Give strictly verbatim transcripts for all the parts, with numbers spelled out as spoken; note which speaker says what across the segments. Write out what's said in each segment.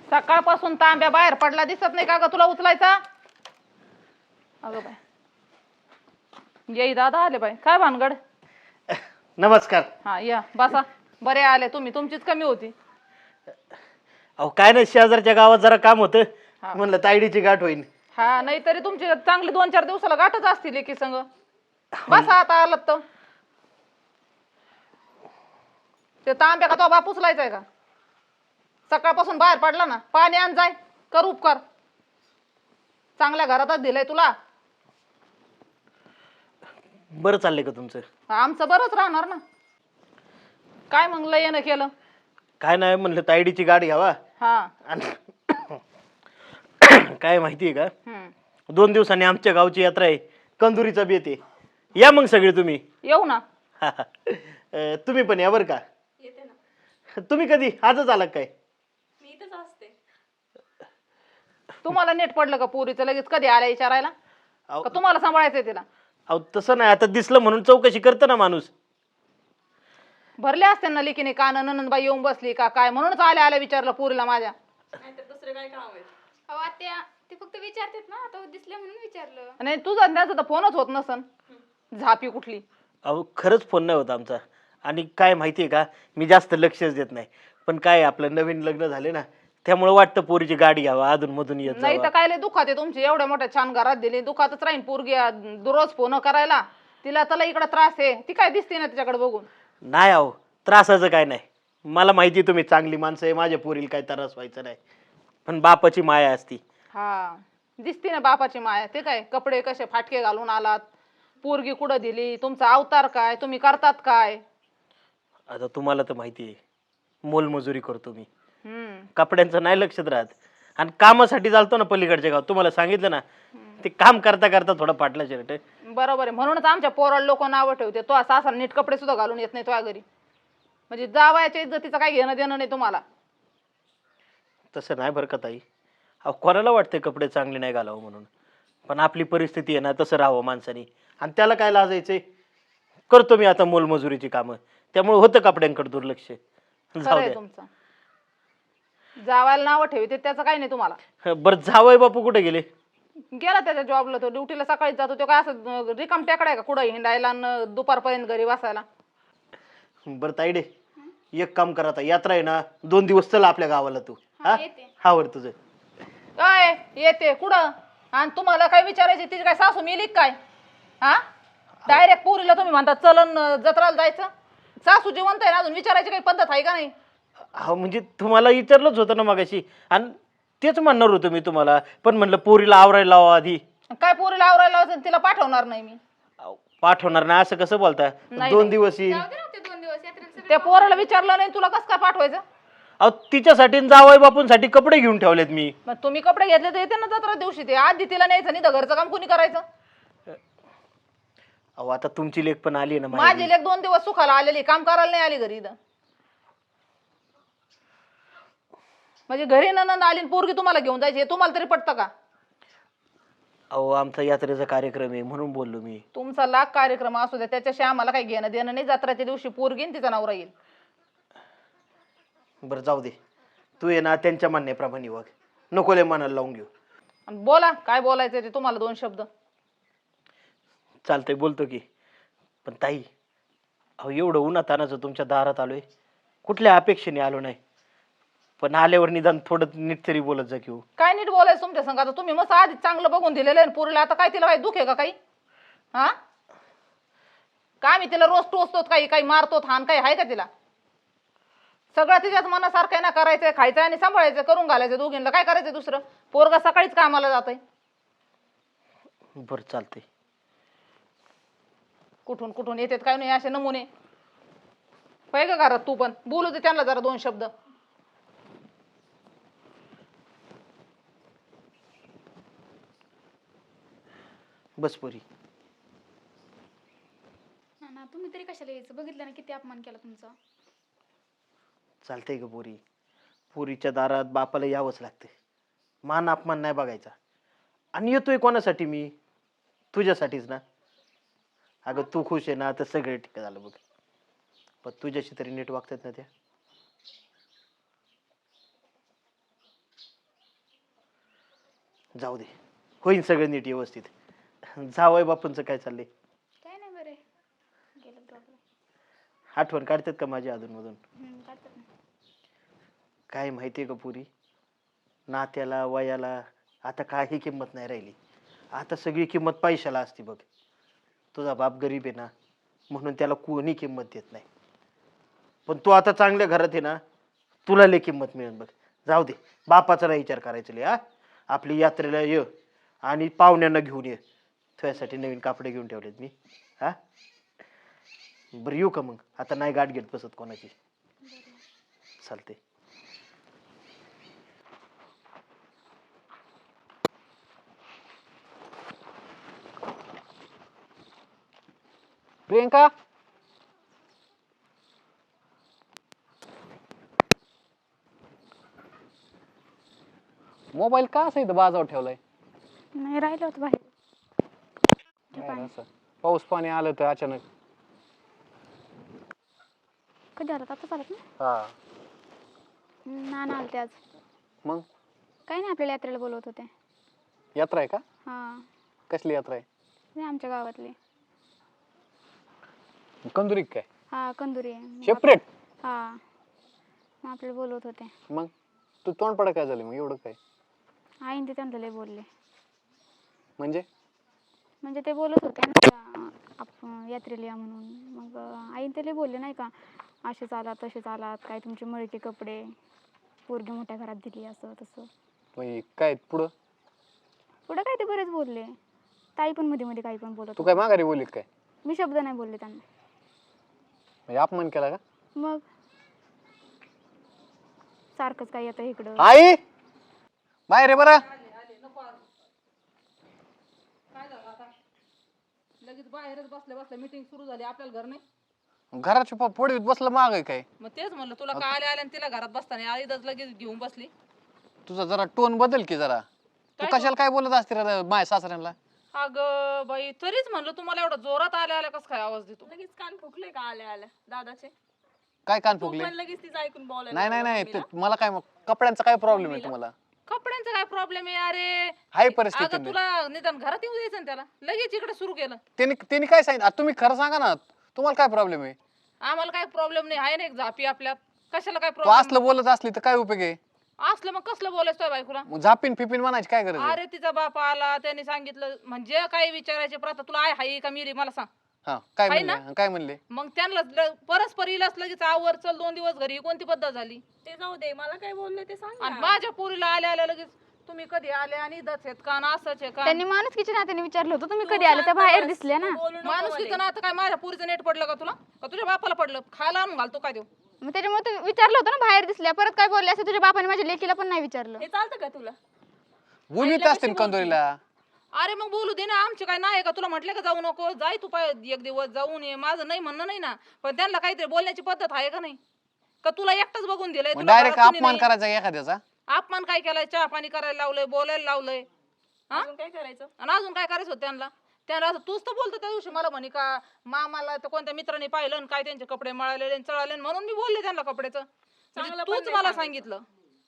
Speaker 1: सकाळपासून तांब्या बाहेर पडला दिसत नाही का ग तुला उचलायचा? अगं बाय येई दादा आले बाय. काय भानगड?
Speaker 2: नमस्कार.
Speaker 1: हा या बसा. बरे आले तुम्ही, तुमचीच कमी होती.
Speaker 2: अहो काय नाही, शेजारच्या गावात जरा काम होतं
Speaker 1: हा.
Speaker 2: म्हणलं तायडीची गाठ होईल.
Speaker 1: हा नाही तरी तुमची चांगली दोन चार दिवसाला गाठच असतील की संग. बसा आता आलात तर. ते तांब्या का तो बाप उचलायचाय का? सकाळपासून बाहेर पडला ना, पाणी आण जाय, कर उपकार. चांगल्या घरातच दिलंय तुला.
Speaker 2: बरं चाललंय का तुमचं?
Speaker 1: आमचं बरंच राहणार ना. काय मग लय येणं केलं?
Speaker 2: काय नाही म्हणलं तायडीची गाठ घ्यावा.
Speaker 1: हा
Speaker 2: आणि काय माहितीये का,
Speaker 1: हम्म.
Speaker 2: दोन दिवसांनी आमच्या गावची यात्रा आहे, कंदुरीचा बेत आहे. या मग सगळे तुम्ही.
Speaker 1: येऊ ना.
Speaker 2: अं, तुम्ही पण या बरं का.
Speaker 3: येते ना.
Speaker 2: तुम्ही कधी आजच आला काय?
Speaker 3: मी इथंच असते.
Speaker 1: तुम्हाला नेट पडलं का पोरीचं लगेच कधी आल्या विचारायला?
Speaker 2: अहो
Speaker 1: का तुम्हाला सांभाळायचंय तिला?
Speaker 2: अहो, तसं नाही, आता दिसलं म्हणून चौकशी करतं ना माणूस.
Speaker 1: भरले असते ना लिकीने कान, ननंदबाई येऊन बसली का काय म्हणूनच आल्या आल्या विचारलं पोरीला माझ्या.
Speaker 3: नाहीतर दुसरे काय काम आहे?
Speaker 4: अहो आत्या ते फक्त विचारतात ना, आता दिसले म्हणून विचारलं.
Speaker 1: आणि तुझा त्याचा तर फोनच होत नसन. झापी कुठली.
Speaker 2: अहो खरंच फोन नाही होता आमचा. आणि काय माहितीये का, मी जास्त लक्षच देत नाही, पण काय आपलं नवीन लग्न झाले ना, त्यामुळे वाटतं पोरीची गाडी घ्यावा, अधून मधून येत
Speaker 1: नाही तर
Speaker 2: जावा.
Speaker 1: काय लय दुखात आहे तुमची, एवढ्या मोठ्या छान घरात दिली, दुखातच राहीन पोरगी दररोज फोन करायला. तिला त्याला इकडे त्रास आहे, ती काय दिसते ना तिच्याकडे बघून.
Speaker 2: नाही अहो, त्रासाचं काय नाही. मला माहिती तुम्ही चांगली माणसं आहे, माझ्या पोरीला काय त्रास व्हायचा नाही, पण बापाची माया असती.
Speaker 1: हा दिसते ना बापाची माया. ते काय कपडे कसे फाटके घालून आलात, पोरगी कुठं दिली, तुमचा अवतार काय, तुम्ही करतात काय?
Speaker 2: आता तुम्हाला तर माहिती आहे, मोलमजुरी करतो मी,
Speaker 1: हम्म.
Speaker 2: कपड्यांचं नाही लक्षात राहत. आणि कामासाठी चालतो ना पलीकडच्या गावात, तुम्हाला सांगितलं ना, ते काम करता करता थोडं फाटलं शर्ट.
Speaker 1: बरोबर आहे, म्हणूनच आमच्या पोराला लोक नावं ठेवते. तो असा असा नीट कपडे सुद्धा घालून येत नाही तुझ्या घरी. म्हणजे जावयाच्या इज्जतीचं काय घेणं देणं नाही तुम्हाला.
Speaker 2: तसं नाही बरं का ताई. अहो कोणाला वाटतं कपडे चांगले नाही घालावं म्हणून, पण आपली परिस्थिती आहे ना, तसं राहावं माणसाने. आणि त्याला काय लाजायचंय. करतो मी आता मोलमजुरीची कामं, त्यामुळे होतं कपड्यांकडे दुर्लक्ष. जाऊ
Speaker 1: खरंय
Speaker 2: द्या.
Speaker 1: तुमचं. जावायला नावं ठेवते त्याचं काही नाही तुम्हाला.
Speaker 2: बरं जावई बापू कुठे गेले?
Speaker 1: गेला त्याच्या जॉबला, तो ड्युटीला सकाळीच जातो. तो काय असं रिकाम टेकडाय का कुठं हिंडायला आणि दुपारपर्यंत घरी बसायला?
Speaker 2: बरं ताईडे, एक काम करा, आता यात्रा आहे ना, दोन दिवस चला आपल्या गावाला तू. हा
Speaker 4: येते.
Speaker 2: हा वर तुझं.
Speaker 1: काय येते कुठं? आणि तुम्हाला काय विचारायचे, तिची काय सासू मिली काय? हा डायरेक्ट पोरीला तुम्ही म्हणता चलन जत्राला जायचं. सासू जिवंत आहे ना अजून, विचारायची काही पद्धत आहे का नाही?
Speaker 2: हा म्हणजे तुम्हाला विचारलंच होतं ना मगाशी, आणि तेच म्हणणार होतो मी तुम्हाला, पण म्हणलं पोरीला आवरायला लावा आधी.
Speaker 1: काय पोरीला आवरायला लावायचं, तिला पाठवणार नाही मी.
Speaker 2: अहो, पाठवणार नाही असं कसं बोलता?
Speaker 1: नाही,
Speaker 2: दोन
Speaker 1: नाही.
Speaker 2: दिवस येईल.
Speaker 4: जाऊ दे ना ते दोन दिवस यात्रेला सगळे.
Speaker 1: त्या पोराला विचारलं नाही तुला कसं काय पाठवायचं?
Speaker 2: अहो तिच्यासाठी आणि जावई बापूंसाठी कपडे घेऊन ठेवलेत मी.
Speaker 1: मग तुम्ही कपडे घेतले तर येते ना जत्रा दिवशी. ते आधी तिला न्यायचं नाही तर घरचं काम कोणी करायचं?
Speaker 2: अहो आता तुमची लेख पण आली ना
Speaker 1: माझी
Speaker 2: माहेरी.
Speaker 1: लेक दोन दिवस सुखाला आलेली, काम करायला नाही आली घरी इथं. म्हणजे घरी ननंद आली आणि पोरगी तुम्हाला घेऊन जायची, हे तुम्हाला तरी पटतं का?
Speaker 2: अहो आमचा यात्रेचा कार्यक्रम आहे म्हणून बोललो मी.
Speaker 1: तुमचा लाख कार्यक्रम असू द्या, त्याच्याशी आम्हाला काही घेणं देणं नाही. जत्राच्या दिवशी पोरगी आणि तिचा नवरा येईल.
Speaker 2: बरं जाऊ दे, तू ये ना त्यांच्या म्हणण्याप्रमाणे वाग, नको लय मनाला लावून घेऊ.
Speaker 1: आणि बोला काय बोलायचं ते तुम्हाला, दोन शब्द.
Speaker 2: चालतंय बोलतो की, पण ताई अहो एवढं उन्हातानाचं तुमच्या दारात आलोय, कुठल्या अपेक्षेने आलो नाही, पण आल्यावर निदान थोडं नीट तरी बोलत जा की हो.
Speaker 1: काय नीट बोलायचं तुमच्या संग? आता तुम्ही मस्त आधी चांगलं बघून दिलेलं आहे पोरीला, आता काय तिला काही दुख आहे का काही? हा काय मी तिला रोज टोचतो काही, काही मारतो हान, काही आहे का तिला? सगळं तिच्याच मनासारखं आहे ना, करायचंय, खायचंय आणि सांभाळायचं, करून घालायचं दोघींना. काय करायचंय दुसरं? पोरगा सकाळीच कामाला जातोय.
Speaker 2: बरं चालतंय.
Speaker 1: कुठून कुठून येतात काय नाही असे नमुने. पाहिजे का घरात तू पण बोलू दे त्यांना जरा दोन शब्द.
Speaker 2: बस पोरी.
Speaker 4: ना ना तुम्ही तरी कशाला यायचं? बघितलं ना किती अपमान केला तुमचा.
Speaker 2: चालतंय का पोरी, पोरीच्या दारात बापाला यावंच लागते. मान अपमान नाही बघायचा. आणि येतोय कोणासाठी मी? तुझ्यासाठीच ना. अगं तू खुश आहे ना तर सगळे ठीक झालं बघ, पण तुझ्याशी तरी नीट वागतात ना त्या. जाऊ दे, होईन सगळं नीट व्यवस्थित. जावय बापूंचं काय चाललंय?
Speaker 4: काय नाही बरे गेलं प्रॉब्लेम.
Speaker 2: आठवण काढतात का माझी अधूनमधून?
Speaker 4: काढतात ना.
Speaker 2: काय माहितीये का पुरी, नात्याला वयाला आता काही किंमत नाही राहिली. आता सगळी किंमत पैशाला असते बघ. तुझा बाप गरीब आहे ना, म्हणून त्याला कोणी किंमत देत नाही. पण तू आता चांगल्या घरात आहे ना, तुला लय किंमत मिळेल बघ. जाऊ दे, बापाचा नाही विचार करायचा लय. हा, आपली यात्रेला ये आणि पाहुण्यांना घेऊन ये. तुझ्यासाठी नवीन कापडे घेऊन ठेवलेत मी. हा, बरं येऊ का मग? आता नाही गाठ घेत बसत कोणाची. चालते.
Speaker 5: प्रियंका, मोबाईल का असं इथं बाजावर ठेवलाय?
Speaker 4: नाही राहिलं होतं बाहेर.
Speaker 5: काय असं पाऊस पाणी आलं तर अचानक.
Speaker 4: कधी आलात? आताच आलात ना?
Speaker 5: हा,
Speaker 4: नाना आलते आज.
Speaker 5: मग
Speaker 4: काही नाही, आपल्याला यात्रेला बोलवत होते.
Speaker 5: यात्रा आहे का?
Speaker 4: हा,
Speaker 5: कसली यात्रा आहे?
Speaker 4: ते आमच्या गावातली.
Speaker 5: कंदुरी काय
Speaker 4: हा, कंदुरी आहे. मग आप-
Speaker 5: सेपरेट?
Speaker 4: हा, मग आपल्याला बोलवत होते.
Speaker 5: मग तू तोंड पडा काय झालं मग एवढं काय?
Speaker 4: आईन ते त्यांना लय बोलले.
Speaker 5: म्हणजे
Speaker 4: म्हणजे ते बोलत होते ना आपण यात्रेला या म्हणून. मग आईन ते लय बोलले नाही का, असेच आलात तसेच आलात, काय तुमचे मळके कपडे, पोरगी मोठ्या घरात दिली, असं तसं.
Speaker 5: मग काय पुढं?
Speaker 4: पुढं काय ते बरेच बोलले. ताई पण मध्ये मध्ये काही पण बोलत
Speaker 5: तू
Speaker 4: होती.
Speaker 5: काय माघारी बोललीत काय?
Speaker 4: मी शब्द नाही बोलले त्यांना.
Speaker 5: म्हणजे अपमान केला का?
Speaker 4: मग सारखंच काय येतं इकडं.
Speaker 5: आई बाहेर आहे बरं.
Speaker 1: काय झालं आता? लगेच बाहेरच बसल्या बसल्या मीटिंग सुरू झाली. आपल्याला घर नाही.
Speaker 5: घराच्या पोडीत बसलं माग आहे काय?
Speaker 1: मग तेच म्हणलं तुला का आले आले आणि तिला घरात बसताना आईच लगेच घेऊन बसली.
Speaker 5: तुझा जरा टोन बदल की जरा. तू
Speaker 1: काय
Speaker 5: कशाला काय बोलत असते रे माझ्या सासऱ्यांना?
Speaker 1: अगं बाई, तरीच म्हणलं तुम्हाला एवढा जोरात आल्या आल्या कसं काय आवाज देतो?
Speaker 3: लगेच कान फुकले का आल्या आल्या दादाचे?
Speaker 5: काय कान
Speaker 3: तू
Speaker 5: फुगले?
Speaker 3: पण लगेच तिचं ऐकून बोलायला
Speaker 5: नाही नाही नाही
Speaker 3: लागला
Speaker 5: ते- मला काय मग कपड्यांचा काय प्रॉब्लेम आहे तुम्हाला?
Speaker 1: कपड्यांचा काय प्रॉब्लेम आहे? अरे
Speaker 5: हाय परिस्थिती
Speaker 1: अगं तुला निदान घरात येऊ द्यायचं ना त्याला. लगेच इकडे सुरू केलं.
Speaker 5: त्यांनी त्यांनी काय सांगितलं आता तुम्ही खरं सांगा ना, तुम्हाला काय प्रॉब्लेम आहे?
Speaker 1: आम्हाला काय प्रॉब्लेम नाही. आहे ना एक झापी आपल्यात. कशाला काय
Speaker 5: तू
Speaker 1: प्रॉब्लेम?
Speaker 5: असलं बोलत असली तर काय उपयोग आहे?
Speaker 1: असलं मग कसलं बोलायचं बायकोला?
Speaker 5: मग झापिन फिपिन म्हणायची काय गरज आहे?
Speaker 1: अरे तिचा बाप आला, त्याने सांगितलं म्हणजे काही विचारायचे प्रथा तुला आहे हाय का मिरी मला सांग.
Speaker 5: हा काय
Speaker 1: हाय
Speaker 5: म्हणले? काय म्हणले?
Speaker 1: मग त्यांना ल- परस्पर इलाच लगेच आवर चल दोन दिवस घरी. ही कोणती पद्धत झाली?
Speaker 3: ते जाऊ दे, मला काय बोलले ते सांग
Speaker 1: आणि
Speaker 3: ना.
Speaker 1: माझ्या पोरीला आल्या आल्या लगेच तुम्ही कधी आले आणि इथंच आहेत का आणि असंच आहे का?
Speaker 4: त्यांनी माणुसकीच्या नात्याने विचारलं होतं, तुम्ही
Speaker 3: तू
Speaker 4: कधी आले? त्या
Speaker 3: शांत
Speaker 4: बाहेर
Speaker 3: बस,
Speaker 4: दिसल्या ना.
Speaker 3: तू बोलू नको
Speaker 1: माणूस
Speaker 3: मध्ये.
Speaker 1: तिथं ना आता काय माझ्या पोरीचं नेट पडलं का तुला? का तुझ्या बापाला पडलं? खायला आणून घालतो काय देऊ?
Speaker 4: मग त्याच्यामुळे तुम्ही विचारलं होतं ना, बाहेर दिसल्या. परत काय बोलले असं तुझ्या बापाने माझ्या लेकीला पण नाही विचारलं.
Speaker 3: हे चालतं का तुला?
Speaker 5: बोलवीत
Speaker 3: आईला
Speaker 5: असते
Speaker 3: कशी
Speaker 5: कंदोरीला.
Speaker 1: अरे मग बोलू दे ना. आमचे काय नाही का? तुला म्हटलं का जाऊ नको? जाय तू पाय एक दिवस जाऊन ये. माझं नाही म्हणणं नाही ना, पण त्यांना काहीतरी बोलण्याची पद्धत आहे का नाही? का तुला एकटाच बघून दिलंय?
Speaker 5: मग
Speaker 1: तुला
Speaker 5: डायरेक्ट
Speaker 1: घरात कोणी
Speaker 5: अपमान
Speaker 1: नाही?
Speaker 5: करायचा का एखाद्याचा?
Speaker 1: अपमान काय केलाय? चहा पाणी करायला लावलंय, बोलायला लावलंय. हा?
Speaker 3: अजून काय करायचं?
Speaker 1: आणि अजून काय करायचं होतं त्यांना? त्यांना असं तूच तर बोलतो त्या दिवशी मला म्हणे का मामाला तर कोणत्या मित्राने पाहिलं आणि काय त्यांचे कपडे मळालेले आणि चळाले आणि म्हणून मी बोलले त्यांना कपड्याचं. म्हणजे
Speaker 3: चांगलं पण
Speaker 1: तूच
Speaker 3: नाही
Speaker 1: मला
Speaker 3: सांगितलं.
Speaker 1: सांगितलं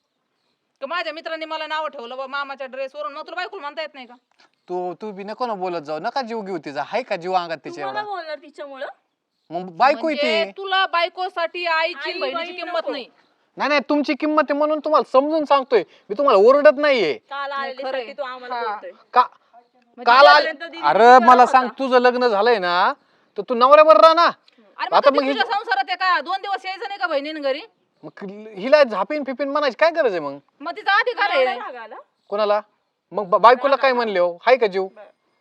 Speaker 1: की माझ्या मित्रांनी मला नाव ठेवलं बा मामाच्या ड्रेसवरून. मग तुला बायकोला म्हणता येत नाही का?
Speaker 5: तू तू बी नको ना बोलत जाऊ. नका जीव घेऊ तिचा. हाय का जीव अंगात तिच्या
Speaker 3: तुम्हाला
Speaker 5: एवढा?
Speaker 3: बोलणार तिच्यामुळं?
Speaker 5: मग बायको
Speaker 1: म्हणजे
Speaker 5: येते.
Speaker 1: तुला बायकोसाठी आईची
Speaker 3: आई,
Speaker 1: बहिणीची
Speaker 3: बहीण
Speaker 1: किंमत
Speaker 3: नको.
Speaker 1: नाही.
Speaker 5: नाही नाही तुमची किंमत आहे म्हणून तुम्हाला समजून सांगतोय मी. तुम्हाला ओरडत नाहीये
Speaker 3: काल आलेले
Speaker 1: खरंय.
Speaker 3: साठी तू आम्हाला
Speaker 1: हा.
Speaker 3: बोलतोय.
Speaker 5: का
Speaker 1: म्हणजे
Speaker 5: काल आले?
Speaker 3: आल्यानंतर दिदी
Speaker 5: अरे
Speaker 3: किती
Speaker 5: मला
Speaker 3: करत
Speaker 5: सांग,
Speaker 3: होता?
Speaker 5: तुझं लग्न झालंय ना तर तू नवऱ्यावर राहा ना.
Speaker 1: अरे मग
Speaker 5: आता
Speaker 1: आता
Speaker 5: मग
Speaker 1: तुझ्या
Speaker 5: हे-
Speaker 1: संसारात आहे का? दोन दिवस यायचं नाही का बहिणीने घरी?
Speaker 5: मग हिला झापिन फिपिन म्हणायची काय गरज आहे मग?
Speaker 1: मग तिचा अधिकार
Speaker 3: एवढा
Speaker 1: आहे.
Speaker 3: राग आला?
Speaker 5: कोणाला? मग बा- बायकोला काय म्हणले हो? हाय का जीव?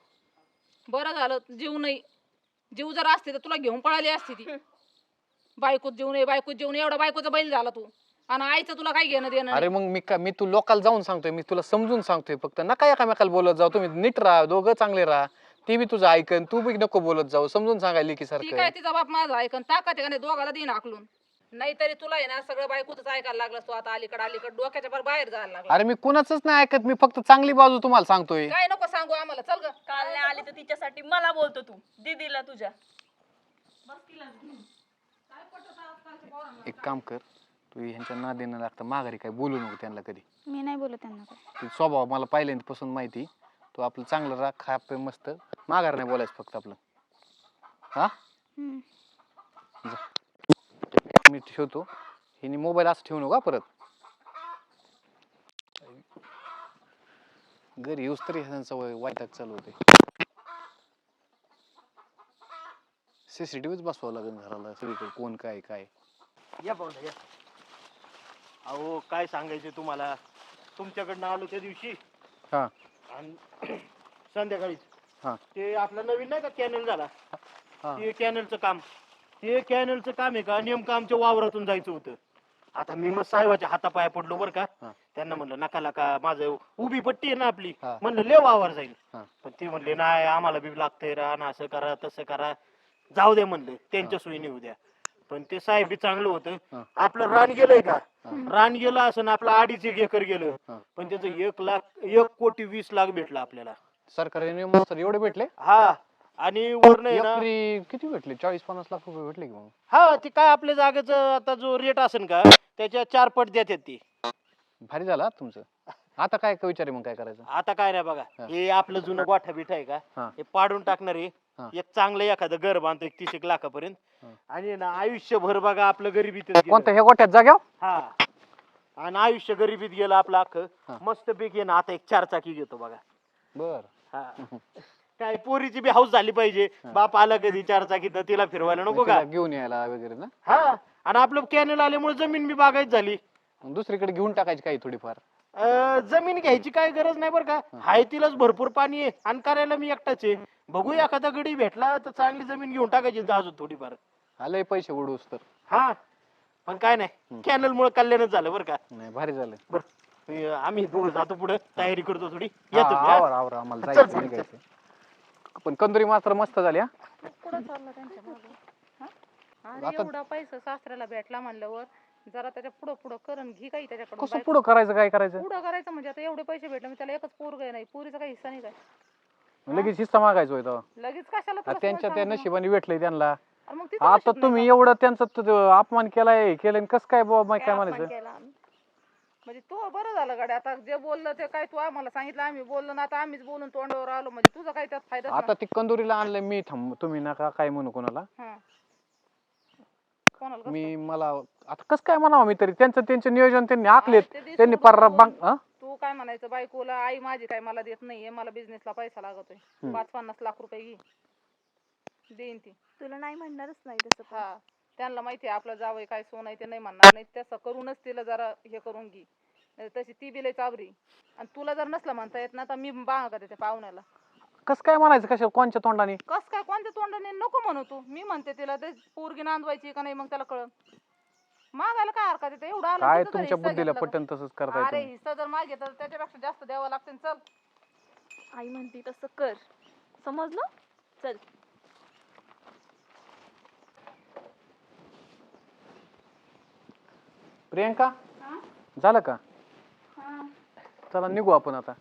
Speaker 1: बरं झालं जीव नाही. जीव जर असते तर तुला घेऊन पळाली असती ती. बायकोत जीव नाही, बायकोत जीव नाही. एवढा बायकोचा बैल झाला तू. आणि आईचं तुला काय घेणं देणं
Speaker 5: अरे
Speaker 1: नाही.
Speaker 5: मग मी का मी तू लोकाला जाऊन सांगतोय, मी तुला समजून सांगतोय. फक्त नका एकामेकाला बोलत जाऊ. तुम्ही नीट राहा, दोघं चांगले राहा. ती बी तुझं ऐकन, तू बी नको बोलत जाऊ. समजून सांगायला की
Speaker 1: ती काय
Speaker 5: सारखं.
Speaker 1: तिचा बाप माझा ऐकन ताकद आहे का नाही दोघाला देईन आकलून. नाहीतरी तुला आहे ना सगळं बायकोच ऐकायला लागलं तू आता अलीकडे अलीकडे डोक्याच्या भर बाहेर जायला लागला.
Speaker 5: अरे मी कुणाच नाही ऐकत. मी फक्त चांगली बाजू तुम्हाला सांगतोय.
Speaker 1: काय नको सांगू आम्हाला. चल ग.
Speaker 3: काल नाही आली तर तिच्यासाठी मला बोलतो तू दीदीला तुझ्या.
Speaker 5: एक काम कर, तू ह्यांच्या नादीनं लागतं माघारी काय बोलू नको त्यांना कधी.
Speaker 4: मी नाही बोलत त्यांना काय.
Speaker 5: ते स्वभाव मला पहिल्यांदापासून माहिती. तू आपलं चांगलं राख, खा पे मस्त, माघार नाही बोलायचं फक्त आपलं. हा
Speaker 4: हम्म.
Speaker 5: मी ठेवतो. हिने मोबाईल असं ठेवू नका परत. घरी येऊस तरी ह्यांचा वाईटात चालू होते. सीसीटीव्हीच बसवावं लागेल घराला सगळीकडे कोण काय काय.
Speaker 2: या पाहुणा या. अहो काय सांगायचे तुम्हाला, तुमच्याकडनं आलो त्या दिवशी
Speaker 5: हा
Speaker 2: आणि संध्याकाळीच
Speaker 5: हा
Speaker 2: ते आपलं नवीन नाही का कॅनल झाला,
Speaker 5: हा
Speaker 2: ते कॅनलचं काम ते कॅनलचं काम आहे का नेमकं आमच्या वावरातून जायचं होतं. आता मी मग साहेबाच्या हातापाया पडलो बरं का.
Speaker 5: हा.
Speaker 2: त्यांना म्हणलं नका नका, माझं उभी पट्टी आहे ना आपली,
Speaker 5: हा.
Speaker 2: म्हणलं ले वावर जाईल.
Speaker 5: हा.
Speaker 2: पण ते म्हणले नाही आम्हाला बी लागतंय रान, असं करा तसं करा, जाऊ दे म्हणलं त्यांच्या सोयीने होऊ द्या. पण ते साहेब बी चांगलं होतं.
Speaker 5: हा.
Speaker 2: आपलं रान गेलंय का,
Speaker 5: हा.
Speaker 2: रान गेलं असं ना आपलं अडीच एक एकर गेलं,
Speaker 5: हा.
Speaker 2: पण त्याचं एक लाख एक कोटी वीस लाख भेटलं आपल्याला.
Speaker 5: सरकारी नियम सर एवढे भेटले.
Speaker 2: हा आणि वर नाही ना.
Speaker 5: एकरी किती भेटले? चाळीस पन्नास लाख रुपये भेटले की मग.
Speaker 2: हा ते काय आपल्या जागेचं आता जो रेट असेल का त्याच्या चार पट देतात ती.
Speaker 5: भारी झाला हा तुमचं. आता काय काय विचार आहे मग काय करायचं?
Speaker 2: आता काय नाही बघा,
Speaker 5: हा.
Speaker 2: हे आपलं जुनं गोठा बिठा आहे का,
Speaker 5: हा.
Speaker 2: हे पाडून टाकणार आहे.
Speaker 5: हा.
Speaker 2: एक चांगलं एखादं घर बांधतो एक तीस एक लाखापर्यंत.
Speaker 5: हा.
Speaker 2: आणि ना आयुष्यभर बघा आपलं गरिबीत
Speaker 5: कोणत्या हे गोट्यात जाग्याव?
Speaker 2: हा आणि आयुष्य गरिबीत गेलं आपलं
Speaker 5: हा.
Speaker 2: अख्खं. मस्त पैकी ना आता एक चार चाकी घेतो बघा.
Speaker 5: बर.
Speaker 2: हा काय पोरीची बी हाऊस झाली पाहिजे. बाप आला कधी चार चाकी तर तिला फिरवायला नको का.
Speaker 5: तिला घेऊन यायला वगैरे ना.
Speaker 2: हा आणि आपलं कॅनल आल्यामुळे जमीन बी बागायत झाली.
Speaker 5: मग दुसरीकडे घेऊन टाकायची काही थोडीफार.
Speaker 2: अं, जमीन घ्यायची काय गरज नाही बरं का. हाय तिलाच भरपूर पाणी आहे आणि करायला मी एकटाच आहे. बघू एखादा गडी भेटला तर चांगली जमीन घेऊन टाकायची अजून थोडीफार.
Speaker 5: आलंय पैसे उडूस तर.
Speaker 2: हा पण काय नाही कॅनल मुळे कल्याणच झालं बरं का.
Speaker 5: नाही भारी झालं.
Speaker 2: बरं अं, आम्ही दोघं जातो पुढे तयारी करतो थोडी.
Speaker 5: हा,
Speaker 2: येतो मी, हा.
Speaker 5: आवर आवर आम्हाला
Speaker 2: चल,
Speaker 5: जायचं
Speaker 2: चल,
Speaker 5: निघायचं. पण कंदुरी मात्र मस्त झाली हा.
Speaker 1: कुठं चाललं त्यांच्या मागं? हा? अरे
Speaker 5: आता-
Speaker 1: एवढा पैसा सासऱ्याला भेटला म्हणल्यावर जरा त्याच्या पुढं पुढं करून घे काही त्याच्याकडून.
Speaker 5: कसं पुढं करायचं काय करायचं?
Speaker 1: पुढं करायचं म्हणजे आता एवढे पैसे भेटले, मग त्याला एकच पोरग नाही, पुरीचा काही हिस्सा नाही काय?
Speaker 5: लगेच हिस्सा मागायचा होता.
Speaker 1: लगेच कशाला तुला
Speaker 5: त्यांच्या
Speaker 1: सोन
Speaker 5: त्या
Speaker 1: सांगू?
Speaker 5: नशिबाने भेटलंय त्यांना.
Speaker 1: अरे मग तिचं
Speaker 5: आता
Speaker 1: नशीब नाही
Speaker 5: तुम्ही
Speaker 1: का?
Speaker 5: एवढं त्यांचा त- त- अपमान केलाय केलं कसं काय बाबा काय
Speaker 1: काय अपमान
Speaker 5: म्हणायचं?
Speaker 1: केला आम्ही? म्हणजे तू बरं झालं गाड्या, आता जे बोललं ते काय तू आम्हाला सांगितलं, आम्ही बोललो ना, आता आम्हीच बोलून तोंडावर आलो, म्हणजे तुझा काय त्यात फायदा?
Speaker 5: आता ती कंदुरीला आणलंय मी. थांब तुम्ही नका काय म्हणू कोणाला.
Speaker 1: कोणाला कसं?
Speaker 5: मी मला आता कसं काय म्हणावं मी तरी. त्यांचं त्यांचं नियोजन त्यांनी आखलेत.
Speaker 1: ते दिसून
Speaker 5: त्यांनी पार
Speaker 1: बघून
Speaker 5: बांग हा?
Speaker 1: तू काय म्हणायचं बायकोला, आई माझी काय मला देत नाहीये, मला बिझनेसला पैसा लागतोय,
Speaker 5: हम्म.
Speaker 1: पाच पन्नास लाख रुपये घे, देईन ती.
Speaker 3: तुला नाही म्हणणारच नाही तसं पण.
Speaker 1: हा त्यांना माहिती आहे आपलं जावई काय सोन आहे ते नाही म्हणणार नाही, तसं करूनच तिला जरा हे करून घे. नाही तशी ती बी लय चाबरी, आणि तुला जर नसलं म्हणता येत ना तर मी बांगा का त्या पाहुण्याला.
Speaker 5: कसं काय म्हणायचं कशा कोणच्या तोंडाने?
Speaker 1: कस काय कोणत्या तोंडाने नको म्हणू तू, मी म्हणते तिला ते पोरगी नांदवायची का नाही मग त्याला कळन. मागायला काय हरकत येते, एवढा आला
Speaker 5: काय
Speaker 1: तिथं जर
Speaker 5: तुमच्या
Speaker 1: हिस्सा
Speaker 5: बुद्धीला
Speaker 1: घेतला
Speaker 5: पटन तसंच
Speaker 1: तर-
Speaker 5: करताय
Speaker 1: अरे
Speaker 5: तुम्ही.
Speaker 1: हिस्सा जर मागे तर त्याच्यापेक्षा जास्त द्यावं लागते. चल
Speaker 3: आई म्हणते तसं कर, समजलं? चल.
Speaker 5: प्रियंका झालं का? चला निघू आपण आता.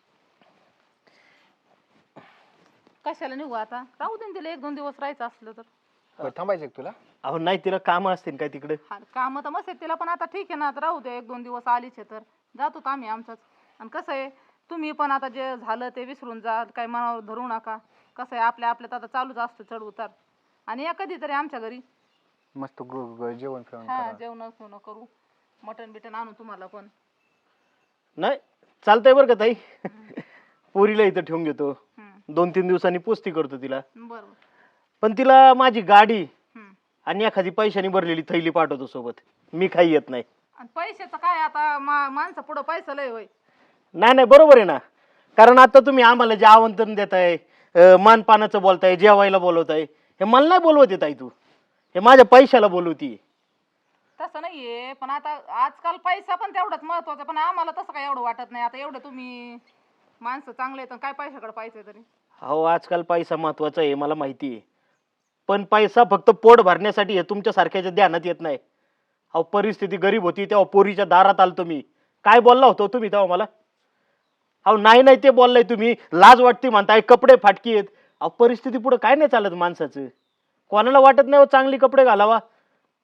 Speaker 1: कशाला निघू आता, राहू दे ना तिला, एक दोन दिवस राहायचं असलं तर.
Speaker 5: बरं, थांबायचं का तुला?
Speaker 2: अहो नाही तिला काम असतील काय तिकडे.
Speaker 1: हा काम तर मस्त आहेत तिला, पण आता ठीक आहे ना, आता राहू दे, एक दोन दिवस आलीच आहे तर जातो तर आम्ही आमचाच. आणि कसं आहे तुम्ही पण आता जे झालं ते विसरून जा, काही मनावर धरू नका. कसं आहे आपल्या आपल्यात आता चालूच असतं चढ उतार. आणि या कधीतरी आमच्या घरी
Speaker 5: मस्त ग- ग- जेवण फेवण
Speaker 1: हा
Speaker 5: करा.
Speaker 1: जेवण खावणं करू, मटण बिटन आणू तुम्हाला पण.
Speaker 2: नाही चालतंय बरं का ताई. पोरीला इथं ठेवून घेतो,
Speaker 1: हम्म,
Speaker 2: दोन तीन दिवसांनी पुस्ती करतो तिला.
Speaker 1: बरोबर.
Speaker 2: पण तिला माझी गाडी
Speaker 1: हम्म.
Speaker 2: आणि एखादी पैशानी भरलेली थैली पाठवतो सोबत. मी काही येत नाही.
Speaker 1: आणि पैशाचं काय आता, मा माणसं पुढं पैसा लय होय.
Speaker 2: नाही नाही बरोबर आहे ना. कारण आता तुम्ही आम्हाला जे आमंत्रण देताय, अं, मानपानाचं बोलताय, जेवायला बोलवताय, हे मला नाही बोलवत येत आहे तू, हे माझ्या पैशाला बोलवती.
Speaker 1: तसं नाहीये, पण आता आजकाल पैसा पण तेवढाच महत्वाचा, पण आम्हाला तसं काय एवढं वाटत नाही. आता एवढं तुम्ही माणसं चांगले आहेत, काय पैशाकडे पाहिजे तरी.
Speaker 2: अहो आजकाल पैसा महत्वाचा आहे मला माहिती आहे, पण पैसा फक्त पोट भरण्यासाठी हे तुमच्या सारख्याच्या ध्यानात येत नाही. अहो परिस्थिती गरीब होती तेव्हा पोरीच्या दारात आलतो मी. काय बोलला होतो तुम्ही तेव्हा मला? अहो नाही नाही ते बोललाय तुम्ही, लाज वाटते म्हणताय, कपडे फाटकी आहेत. अहो परिस्थिती पुढे काय नाही चालत माणसाचं. कोणाला वाटत नाही हो चांगली कपडे घालावा.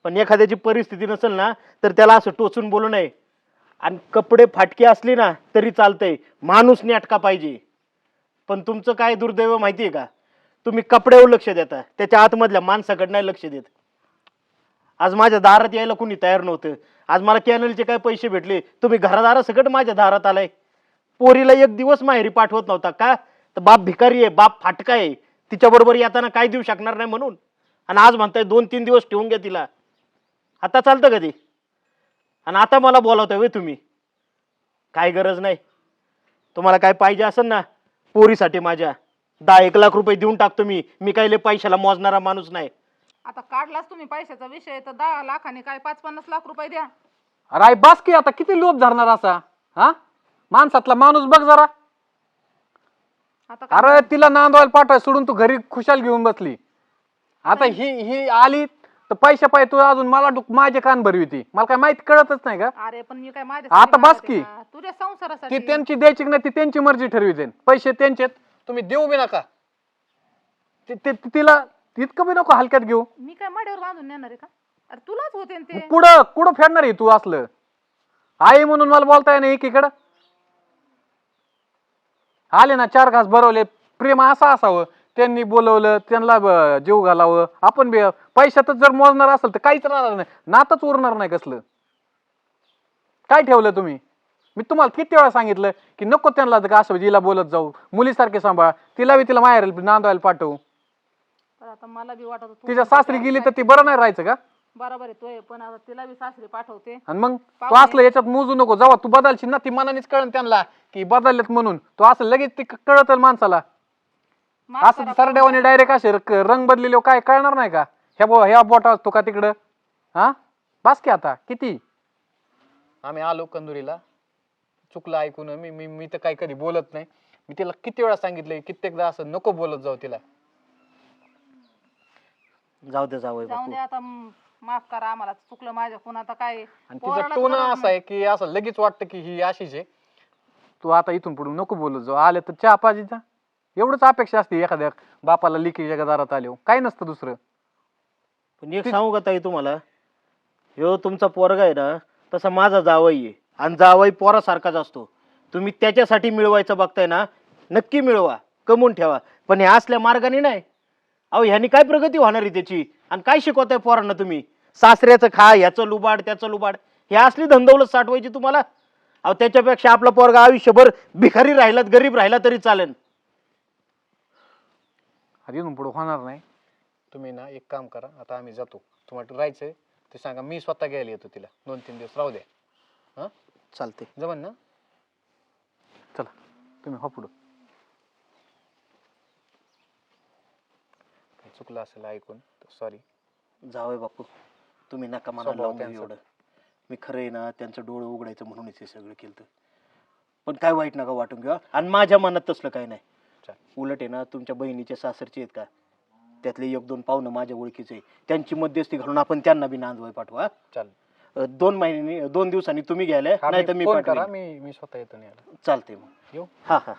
Speaker 2: पण एखाद्याची परिस्थिती नसेल ना तर त्याला असं टोचून बोलू नये. आणि कपडे फाटके असले ना तरी चालतंय, माणूस नेटका पाहिजे. पण तुमचं काय दुर्दैव माहितीये का, तुम्ही कपड्यावर लक्ष देता, त्याच्या आतमधल्या माणसाकडे नाही लक्ष देत. आज माझ्या दारात यायला कुणी तयार नव्हतं. आज मला कॅनलचे काय पैसे भेटले, तुम्ही घरादारासकट माझ्या दारात आलाय. पोरीला एक दिवस माहेरी पाठवत नव्हता का, तर बाप भिकारी आहे, बाप फाटका आहे, तिच्या बरोबर येताना काय देऊ शकणार नाही म्हणून. आणि आज म्हणताय दोन तीन दिवस ठेवून घ्या तिला. आता चालतं का ते? आणि आता मला बोलावतोय वे तुम्ही? काय गरज नाही. तुम्हाला काय पाहिजे असेल ना पोरीसाठी माझ्या, दहा एक लाख रुपये देऊन टाकतो मी. मी काय लय पैशाला मोजणारा माणूस नाही.
Speaker 1: आता काढलाच तुम्ही पैशाचा विषय, तर दहा लाखाने काय पाच पन्नास लाख रुपये द्या.
Speaker 5: अरे आई बास की, आता किती लोभ धरणार असा? हा, माणसातला माणूस बघ जरा.
Speaker 1: आता काय
Speaker 5: अरे तिला नांदवायला पाठवाय सोडून तू घरी खुशाल घेऊन बसली. आता ही ही आली तर पैशा पाय तू अजून मला डुक- माझे कान भरवी ती. मला काय माहिती कळतच नाही का?
Speaker 1: अरे पण मी काय माझ्या
Speaker 5: आता बस की.
Speaker 1: तुझ्या
Speaker 5: ती
Speaker 1: संसारासाठी
Speaker 5: त्यांची द्यायची नाही, ती त्यांची मर्जी ठरविते. पैसे त्यांचेत, तुम्ही देऊ बी नका. ति- ति- तिला इतकं बी नको हलक्यात घेऊ.
Speaker 1: मी काय माड्यावर बांधून नेणार आहे का? अरे तुलाच होते ना ते.
Speaker 5: कुठं कुठं फेडणार आहे तू असलं? आई म्हणून मला बोलताय ना एकीकडं. आले ना चार घास भरवले, प्रेम असं असावं. त्यांनी बोलवलं, त्यांना ब- जीव घालावं. आपण बी पैशातच जर मोजणार असेल तर काहीच राहणार नाही, नातच उरणार नाही. कसलं काय ठेवलं तुम्ही? मी तुम्हाला किती वेळा सांगितलं की नको त्यांना का असं जिला बोलत जाऊ, मुलीसारखे सांभाळ. तिला बी तिला माहेर नांदवायला पाठवू.
Speaker 1: पण आता मला बी वाटत होतं
Speaker 5: तिच्या सासरी गेली तर ती बरं नाही राहायचं का?
Speaker 1: बरोबर आहे तोय, पण आता तिला बी सासरी पाठवते.
Speaker 5: आणि मग तू असलं याच्यात मोजू नको. जेव्हा तू बदलशील ना ती मनानेच कळण त्यांना की बदललेत म्हणून. तू असं लगेच ते कळत माणसाला.
Speaker 1: माफ
Speaker 5: असं
Speaker 1: करा,
Speaker 5: सरड्यावाने डायरेक्ट असे र- रंग बदलेले काय कळणार नाही का? ह्या बो ह्या बोटा असतो का तिकडं? हा बस की आता किती. आम्ही आलो कंदुरीला, चुकलं ऐकून. मी मी मी तर काही कधी बोलत नाही. मी तिला किती वेळा सांगितलंय, कित्येकदा असं नको बोलत जाऊ तिला.
Speaker 2: जाऊ दे जावई
Speaker 1: जाऊन
Speaker 2: बापू.
Speaker 1: दे आता. म, माफ करा आम्हाला, चुकलं माझ्याकडून. आता काय
Speaker 5: आणि तिचा
Speaker 1: पोरालाच
Speaker 5: टोन
Speaker 1: बरोबर
Speaker 5: असा आहे की असं लगेच वाटतं की ही अशीच आहे. तू आता इथून पुढे नको बोलत जाऊ. आले तर चहा पाजीचा एवढंच अपेक्षा असते एखाद्या बापाला लिकीच्या दारात आले. काही नसतं दुसरं.
Speaker 2: पण एक सांगू का ताई तुम्हाला, ह्यो तुमचा पोरगा आहे ना तसा माझा जावई आहे. आणि जावई पोरासारखाच असतो. तुम्ही त्याच्यासाठी मिळवायचं बघताय ना, नक्की मिळवा, कमवून ठेवा. पण हे असल्या मार्गाने नाही. अहो ह्यानी काय प्रगती होणार आहे त्याची? आणि काय शिकवताय पोरांना तुम्ही? सासऱ्याचं खा, ह्याचं लुबाड, त्याचं लुबाड, हे असली धंदौलत साठवायची तुम्हाला? अहो त्याच्यापेक्षा आपला पोरगा आयुष्यभर भिकारी राहिला, गरीब राहिला तरी चालेल. आधी पुढे होणार नाही. तुम्ही ना एक काम करा, आता आम्ही जातो. तुम्हाला राहायचंय ते सांगा, मी स्वतः घ्यायला येतो तिला. दोन तीन दिवस राहू द्या. हा चालते, जमन ना? चला तुम्ही हो पुढं. चुकलं असेल ऐकून सॉरी. जावय बापू, तुम्ही नका मला लावून देऊ एवढं. मी खरं आहे ना त्यांचं डोळं उघडायचं म्हणूनच हे सगळं केलं. पण काय वाईट नका वाटून घ्या. आणि माझ्या मनात तसलं काय नाही. उलट आहे ना, तुमच्या बहिणीच्या सासरचे आहेत का, त्यातले एक दोन पाहुणं माझ्या ओळखीचे, त्यांची मध्यस्थी घालून आपण त्यांना बी नांदवाय पाठवा. चाल दोन महिन्यांनी दोन दिवसांनी तुम्ही घ्यायला, नाही तर मी पाठवा. मी मी स्वतः येतो. चालते मग येऊ. हा हा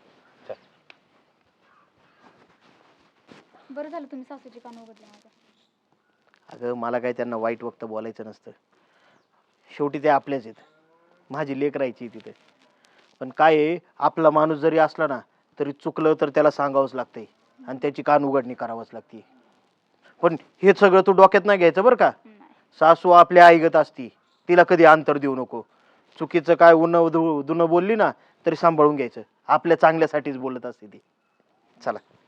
Speaker 4: बरं झालं तुम्ही सासूची कान उघडले माझ्या.
Speaker 2: अगं मला काय त्यांना वाईट वक्त बोलायचं नसतं. शेवटी ते आपल्याच आहेत. माझी लेक राहायची तिथे. पण काय आहे, आपला माणूस जरी असला ना तरी चुकलं तर त्याला सांगावंच लागतंय आणि त्याची कान उघडणी करावंच लागते. पण हे सगळं तू डोक्यात नाही घ्यायचं बरं का. सासू आपल्या आईगत असती, तिला कधी अंतर देऊ नको. चुकीचं काय उन दुनं बोलली ना तरी सांभाळून घ्यायचं. आपल्या चांगल्यासाठीच बोलत असते ती. चला.